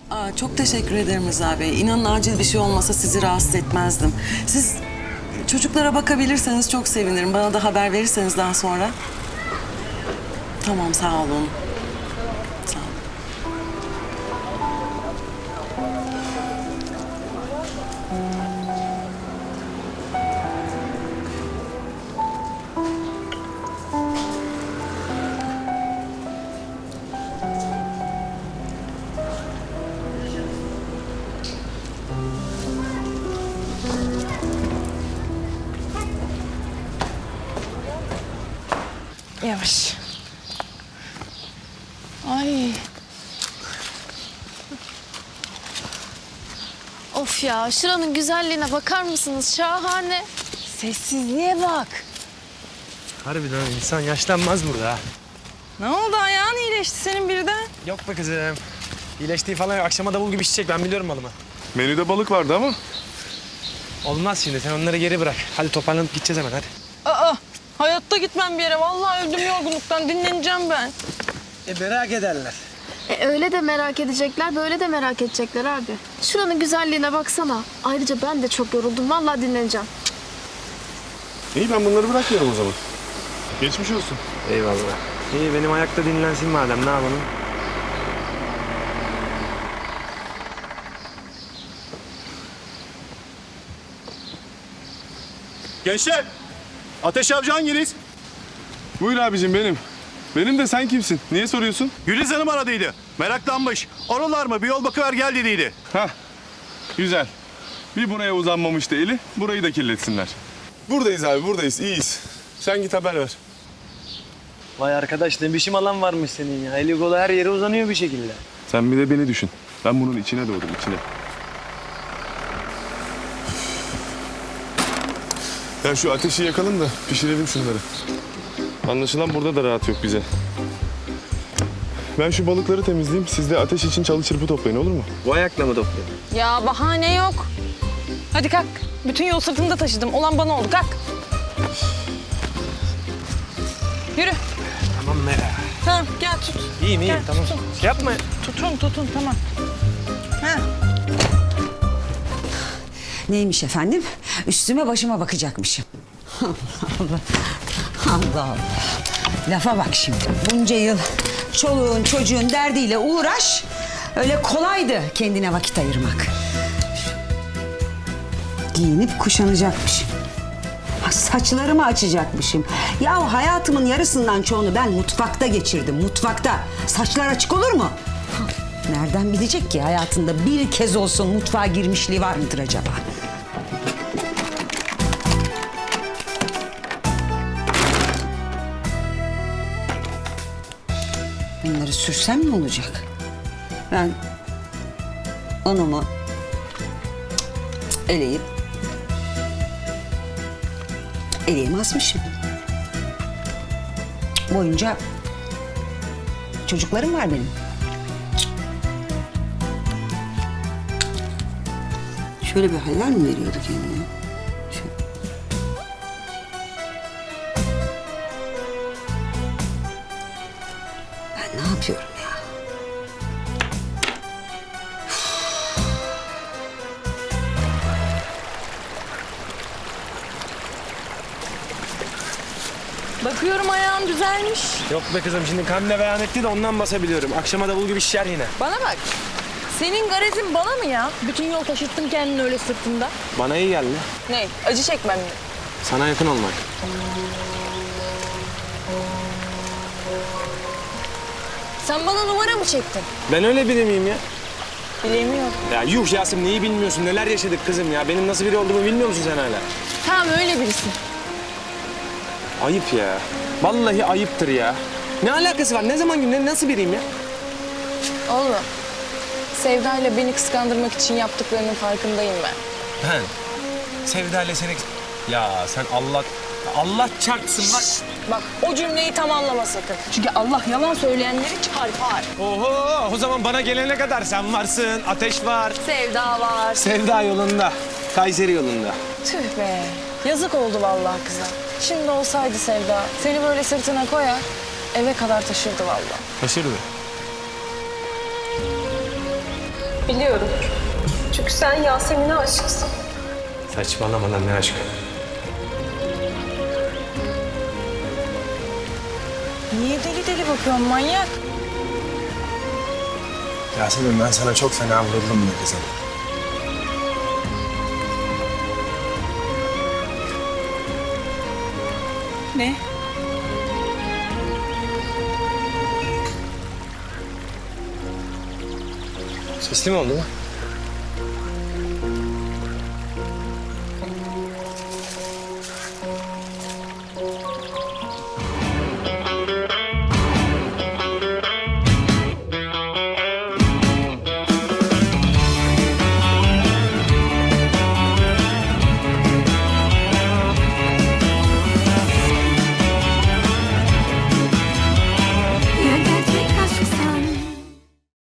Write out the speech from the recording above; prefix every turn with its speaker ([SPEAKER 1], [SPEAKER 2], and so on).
[SPEAKER 1] Çok teşekkür ederim Rıza Bey. İnanın acil bir şey olmasa sizi rahatsız etmezdim. Siz çocuklara bakabilirseniz çok sevinirim. Bana da haber verirseniz daha sonra. Tamam, sağ olun. Sağ olun.
[SPEAKER 2] Yavaş. Ay.
[SPEAKER 3] Of ya, şuranın güzelliğine bakar mısınız? Şahane.
[SPEAKER 2] Sessizliğe bak.
[SPEAKER 4] Harbiden insan yaşlanmaz burada ha.
[SPEAKER 2] Ne oldu, ayağın iyileşti senin birden?
[SPEAKER 4] Yok be kızım. İyileştiği falan yok. Akşama davul gibi şişecek. Ben biliyorum malımı.
[SPEAKER 5] Menüde balık vardı ama.
[SPEAKER 4] Olmaz şimdi. Sen onları geri bırak. Hadi toparlanıp gideceğiz hemen hadi.
[SPEAKER 2] Aa, hayatta gitmem bir yere. Vallahi öldüm yorgunluktan. Dinleneceğim ben.
[SPEAKER 4] Merak ederler.
[SPEAKER 3] Öyle de merak edecekler, böyle de merak edecekler abi. Şuranın güzelliğine baksana. Ayrıca ben de çok yoruldum. Vallahi dinleneceğim.
[SPEAKER 5] İyi, ben bunları bırakmıyorum o zaman. Geçmiş olsun.
[SPEAKER 4] Eyvallah. İyi benim ayakta dinlensin madem. Ne yapalım?
[SPEAKER 5] Gençler! Ateş Avcı hanginiz? Buyur abicim, benim. Benim de, sen kimsin? Niye soruyorsun?
[SPEAKER 6] Güliz Hanım aradıydı. Meraklanmış. Oralar mı? Bir yol bakıver gel dediydi.
[SPEAKER 5] Hah, güzel. Bir buraya uzanmamıştı eli, burayı da kirletsinler. Buradayız abi, buradayız. İyiyiz. Sen git haber ver.
[SPEAKER 4] Vay arkadaş ne biçim alan varmış senin ya. Eli kolu her yere uzanıyor bir şekilde.
[SPEAKER 5] Sen bir de beni düşün. Ben bunun içine doğdum, içine. Ya şu ateşi yakalım da pişirelim şunları. Anlaşılan burada da rahat yok bize. Ben şu balıkları temizleyeyim. Siz de ateş için çalı çırpı toplayın, olur mu?
[SPEAKER 4] Bu ayakla mı topluyorsun?
[SPEAKER 2] Ya bahane yok. Hadi kalk. Bütün yol sırtımda taşıdım. Olan bana oldu. Kalk. Yürü.
[SPEAKER 4] Tamam Mera.
[SPEAKER 2] Tamam gel tut.
[SPEAKER 4] İyiyim
[SPEAKER 2] Gel,
[SPEAKER 4] tamam.
[SPEAKER 2] tutun.
[SPEAKER 4] Yapma.
[SPEAKER 2] Tutun tamam. Ha.
[SPEAKER 7] Neymiş efendim? Üstüme başıma bakacakmışım. Allah Allah. Lafa bak şimdi. Bunca yıl çoluğun çocuğun derdiyle uğraş. Öyle kolaydı kendine vakit ayırmak. Giyinip kuşanacakmışım. Saçlarımı açacakmışım. Ya hayatımın yarısından çoğunu ben mutfakta geçirdim. Mutfakta. Saçlar açık olur mu? Nereden bilecek ki hayatında bir kez olsun mutfağa girmişliği var mıdır acaba? Bunları sürsem ne olacak? Ben onumu eleyip eleğimi asmışım. Boyunca çocuklarım var benim. Şöyle bir haller mi veriyordu kendine? Şöyle. Ben ne yapıyorum ya?
[SPEAKER 2] Bakıyorum ayağın düzelmiş.
[SPEAKER 4] Yok be kızım şimdi Kamile beyan etti de ondan basabiliyorum. Akşama davul gibi şişer yine.
[SPEAKER 2] Bana bak. Senin garezin bana mı ya? Bütün yol taşıttın kendini öyle sırtında.
[SPEAKER 4] Bana iyi geldi.
[SPEAKER 2] Ne? Acı çekmem mi?
[SPEAKER 4] Sana yakın olmak.
[SPEAKER 2] Sen bana numara mı çektin?
[SPEAKER 4] Ben öyle biri miyim ya?
[SPEAKER 2] Bilemiyorum.
[SPEAKER 4] Ya yuh Yasemin neyi bilmiyorsun? Neler yaşadık kızım ya? Benim nasıl biri olduğumu bilmiyor musun sen hala?
[SPEAKER 2] Tamam öyle birisin.
[SPEAKER 4] Ayıp ya. Vallahi ayıptır ya. Ne alakası var? Ne zaman nasıl biriyim ya?
[SPEAKER 2] Oğlum. Sevda ile beni kıskandırmak için yaptıklarının farkındayım ben.
[SPEAKER 4] Ben Sevda ile seni... Ya sen Allah çarpsın bak.
[SPEAKER 2] Bak o cümleyi tamamlama sakın. Çünkü Allah yalan söyleyenleri çarpar.
[SPEAKER 4] Oho o zaman bana gelene kadar sen varsın. Ateş var.
[SPEAKER 2] Sevda var.
[SPEAKER 4] Sevda yolunda. Kayseri yolunda.
[SPEAKER 2] Tüh be. Yazık oldu vallahi kıza. Şimdi olsaydı Sevda seni böyle sırtına koyar eve kadar taşırdı vallahi.
[SPEAKER 4] Taşırdı.
[SPEAKER 8] Biliyorum. Çünkü sen Yasemin'e aşıksın.
[SPEAKER 4] Saçmalama lan, ne aşkı.
[SPEAKER 2] Niye deli deli bakıyorsun manyak?
[SPEAKER 9] Yasemin, ben sana çok fena vuruldum be kızım.
[SPEAKER 2] Ne?
[SPEAKER 9] Sesli mi oldu bu?